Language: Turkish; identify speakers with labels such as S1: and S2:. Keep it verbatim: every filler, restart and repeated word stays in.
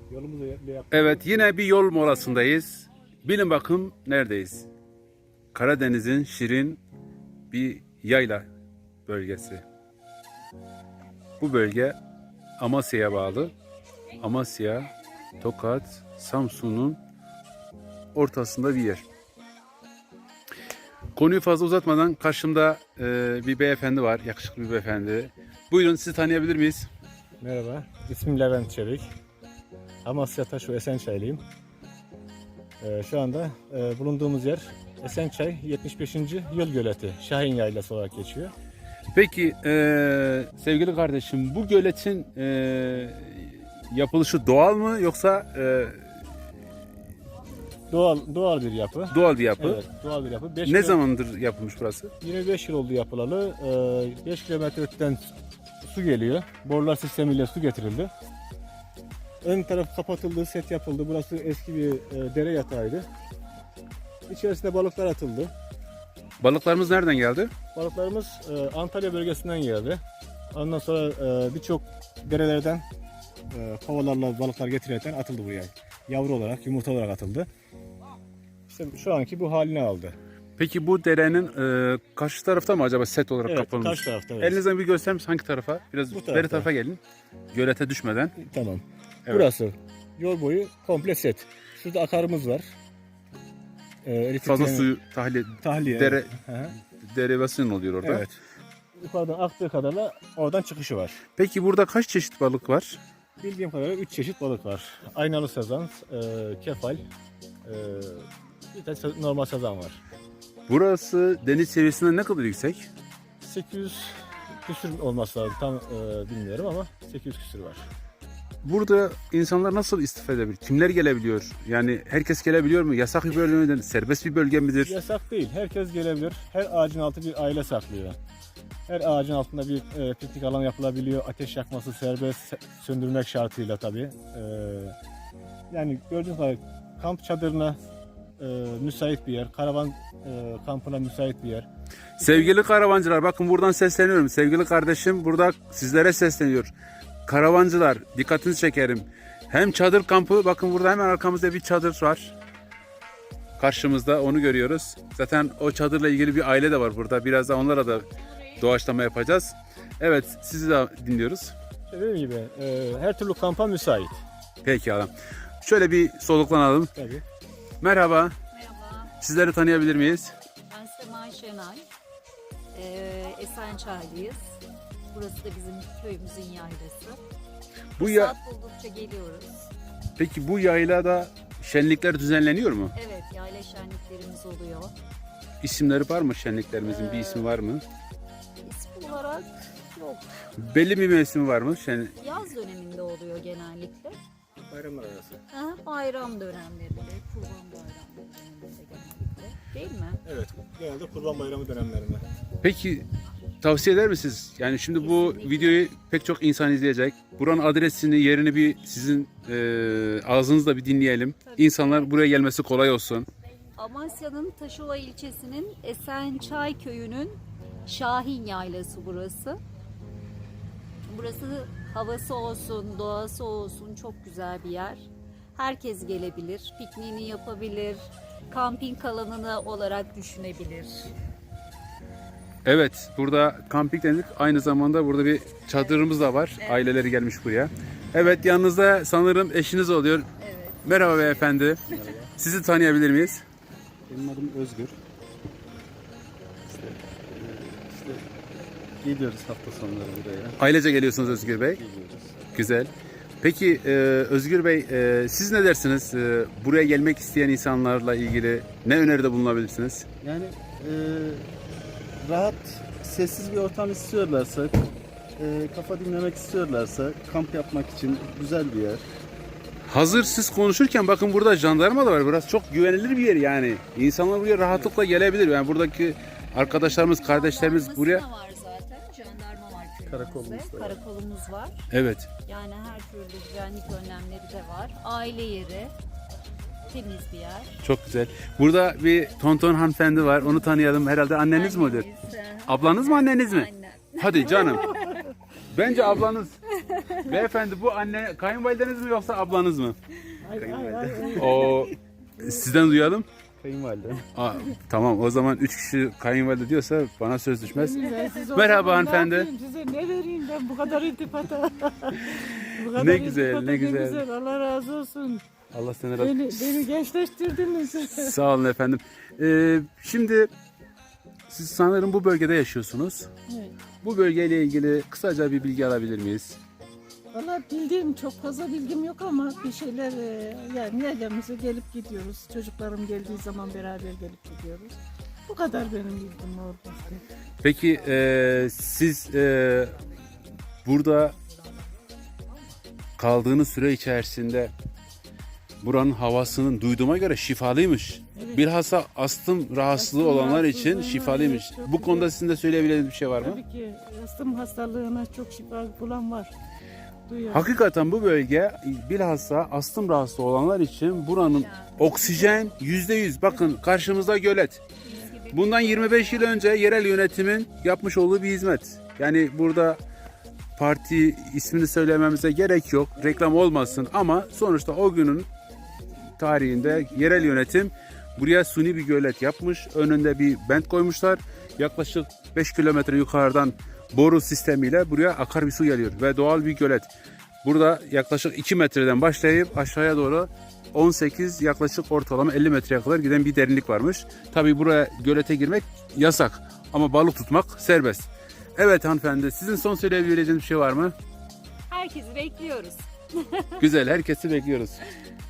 S1: Yolumuzu yaptık.
S2: Evet, yine bir yol molasındayız. Bilin bakın neredeyiz? Karadeniz'in şirin bir yayla bölgesi. Bu bölge Amasya'ya bağlı. Amasya, Tokat, Samsun'un ortasında bir yer. Konuyu fazla uzatmadan karşımda e, bir beyefendi var, yakışıklı bir beyefendi. Buyurun, sizi tanıyabilir miyiz?
S1: Merhaba, ismim Levent Çevik. Amasya Taşu Esençaylıyım. Ee, şu anda e, bulunduğumuz yer Esençay yetmiş beşinci Yıl Göleti, Şahin Yaylası olarak geçiyor.
S2: Peki e, sevgili kardeşim, bu göletin e, yapılışı doğal mı yoksa e,
S1: Doğal doğal bir yapı.
S2: doğal bir yapı?
S1: Evet, doğal bir yapı. beş
S2: Ne
S1: kilo-
S2: zamandır yapılmış burası?
S1: yirmi beş yıl oldu yapılalı. Ee, beş kilometre öteden su geliyor. Borular sistemiyle su getirildi. Ön taraf kapatıldı, set yapıldı. Burası eski bir e, dere yatağıydı. İçerisine balıklar atıldı.
S2: Balıklarımız nereden geldi?
S1: Balıklarımız e, Antalya bölgesinden geldi. Ondan sonra e, birçok derelerden e, kovalarla balıklar getirilerek atıldı buraya. Yavru olarak, yumurta olarak atıldı. İşte şu anki bu halini aldı.
S2: Peki bu derenin e, karşı tarafta mı acaba set olarak
S1: Evet,
S2: kapılmış?
S1: karşı tarafta. Evet.
S2: Elinizden bir gösterir misiniz hangi tarafa? Biraz
S1: Bu
S2: beri
S1: tarafta.
S2: tarafa gelin. Gölete düşmeden.
S1: Tamam.
S2: Evet.
S1: Burası yol boyu komple set. Şurada akarımız var. E, elektrik
S2: Fazla
S1: yani-
S2: suyu tahliye,
S1: tahliye.
S2: dere,
S1: Hı hı.
S2: derivasyon oluyor orada.
S1: Evet. Yukarıdan aktığı kadarla oradan çıkışı var.
S2: Peki burada kaç çeşit balık var?
S1: Bildiğim kadarıyla üç çeşit balık var. Aynalı sazan, e, kefal, e, bir de se- normal sazan var.
S2: Burası deniz seviyesinden ne kadar yüksek?
S1: sekiz yüz küsür olması lazım. Tam e, bilmiyorum ama sekiz yüz küsür var.
S2: Burada insanlar nasıl istifade edebilir? Kimler gelebiliyor? Yani herkes gelebiliyor mu? Yasak bir bölge midir? Serbest bir bölge midir?
S1: Yasak değil. Herkes gelebilir. Her ağacın altı bir aile saklıyor. Her ağacın altında bir e, piknik alanı yapılabiliyor. Ateş yakması serbest, se- söndürmek şartıyla tabii. E, yani gördüğünüz gibi kamp çadırına e, müsait bir yer. Karavan e, kampına müsait bir yer.
S2: Sevgili karavancılar, bakın buradan sesleniyorum. Sevgili kardeşim burada sizlere sesleniyor. Karavancılar, dikkatinizi çekerim. Hem çadır kampı, bakın burada hemen arkamızda bir çadır var. Karşımızda onu görüyoruz. Zaten o çadırla ilgili bir aile de var burada. Biraz da onlara da doğaçlama yapacağız. Evet, sizi de dinliyoruz.
S1: İşte dediğim gibi e, her türlü kampa müsait.
S2: Peki adam. Şöyle bir soluklanalım.
S1: Tabii.
S2: Merhaba.
S3: Merhaba,
S2: Sizleri tanıyabilir miyiz?
S3: ben Sema Şenay. Ee, Esençaylıyız. Burası da bizim köyümüzün yaylası.
S2: Bu ya
S3: Saat buldukça geliyoruz.
S2: Peki bu yaylada şenlikler düzenleniyor mu?
S3: Evet, yayla şenliklerimiz oluyor.
S2: İsimleri var mı şenliklerimizin? Bir ismi var mı?
S3: İsim olarak yok.
S2: Belli bir mevsimi var mı? Şen...
S3: Yaz döneminde oluyor genellikle.
S1: Bayramlar arası.
S3: Ha, bayram dönemlerinde, kurban bayramları döneminde genellikle. Değil mi?
S1: Evet. Genelde Kurban Bayramı dönemlerinde.
S2: Peki tavsiye eder misiniz? Yani şimdi bu
S3: Kesinlikle.
S2: videoyu pek çok insan izleyecek. Buranın adresini, yerini bir sizin e, ağzınızla bir dinleyelim.
S3: Tabii.
S2: İnsanlar buraya gelmesi kolay olsun.
S3: Amasya'nın Taşova ilçesinin Esençay köyünün Şahin Yaylası burası. Burası havası olsun, doğası olsun çok güzel bir yer. Herkes gelebilir, pikniğini yapabilir, kamping alanını olarak düşünebilir.
S2: Evet, burada kamping dedik. Aynı zamanda burada bir çadırımız da var.
S3: Evet.
S2: Aileleri gelmiş buraya. Evet, yanınızda sanırım eşiniz oluyor.
S3: Evet.
S2: Merhaba beyefendi. Sizi tanıyabilir miyiz?
S4: Benim adım Özgür. İşte, e, işte geliyoruz hafta sonları buraya.
S2: Ailece geliyorsunuz Özgür Bey.
S4: Geliyoruz.
S2: Güzel. Peki e, Özgür Bey, e, siz ne dersiniz? E, buraya gelmek isteyen insanlarla ilgili ne öneride bulunabilirsiniz?
S4: Yani e, rahat, sessiz bir ortam istiyorlarsa, e, kafa dinlemek istiyorlarsa kamp yapmak için güzel bir yer.
S2: Hazır siz konuşurken bakın burada jandarma da var. Burası çok güvenilir bir yer yani. İnsanlar buraya rahatlıkla gelebilir. Yani buradaki arkadaşlarımız, kardeşlerimiz
S3: Jandarması
S2: buraya...
S3: da var zaten. Jandarma var köyümüzde.
S4: Karakolumuz da var.
S3: Karakolumuz var.
S2: Evet.
S3: Yani her türlü güvenlik önlemleri de var. Aile yeri. Temiz bir yer.
S2: Çok güzel. Burada bir tonton hanımefendi var. Onu tanıyalım. Herhalde anneniz mi oluyor?
S3: Annemiz, hı.
S2: Ablanız mı anneniz mi?
S3: Annem.
S2: Hadi canım. Bence ablanız. Beyefendi bu anne kayınvalideniz mi yoksa ablanız mı?
S5: Ay, ay, ay, ay.
S2: O sizden duyalım.
S4: Kayınvalide.
S2: Aa, tamam o zaman üç kişi kayınvalide diyorsa bana söz düşmez.
S5: Ben siz o
S2: Merhaba
S5: zaman ne
S2: hanımefendi.
S5: yapayım, size ne vereyim ben bu kadar iltifata. Bu kadar
S2: Ne güzel,
S5: iltifata
S2: ne güzel.
S5: Allah razı olsun.
S2: Allah seni razı
S5: Beni, beni gençleştirdiniz.
S2: Sağ olun efendim. Ee, şimdi siz sanırım bu bölgede yaşıyorsunuz.
S5: Evet.
S2: Bu bölgeyle ilgili kısaca bir bilgi alabilir miyiz?
S5: Valla bildiğim çok fazla bilgim yok ama bir şeyler e, yani yerlerimize gelip gidiyoruz. Çocuklarım geldiği zaman beraber gelip gidiyoruz. Bu kadar benim bilgim orada.
S2: Peki e, siz e, burada kaldığınız süre içerisinde buranın havasının duyduğuma göre şifalıymış.
S5: Evet.
S2: Bilhassa astım rahatsızlığı
S5: Astım
S2: olanlar için
S5: rahatsızlığı,
S2: şifalıymış.
S5: evet, çok
S2: Bu konuda
S5: güzel.
S2: sizin de söyleyebileceğiniz bir şey var mı?
S5: Tabii ki astım hastalığına çok şifa bulan var. Duyuyorum.
S2: Hakikaten bu bölge bilhassa astım rahatsız olanlar için buranın oksijen yüzde yüz. Bakın karşımızda gölet. Bundan yirmi beş yıl önce yerel yönetimin yapmış olduğu bir hizmet. Yani burada parti ismini söylememize gerek yok. Reklam olmasın ama sonuçta o günün tarihinde yerel yönetim buraya suni bir gölet yapmış. Önünde bir bent koymuşlar. Yaklaşık beş kilometre yukarıdan boru sistemiyle buraya akar bir su geliyor ve doğal bir gölet. Burada yaklaşık iki metreden başlayıp aşağıya doğru on sekiz yaklaşık ortalama elli metreye kadar giden bir derinlik varmış. Tabii buraya gölete girmek yasak ama balık tutmak serbest. Evet hanımefendi, sizin son söyleyebileceğiniz bir şey var mı?
S3: Herkesi bekliyoruz.
S2: Güzel, herkesi bekliyoruz.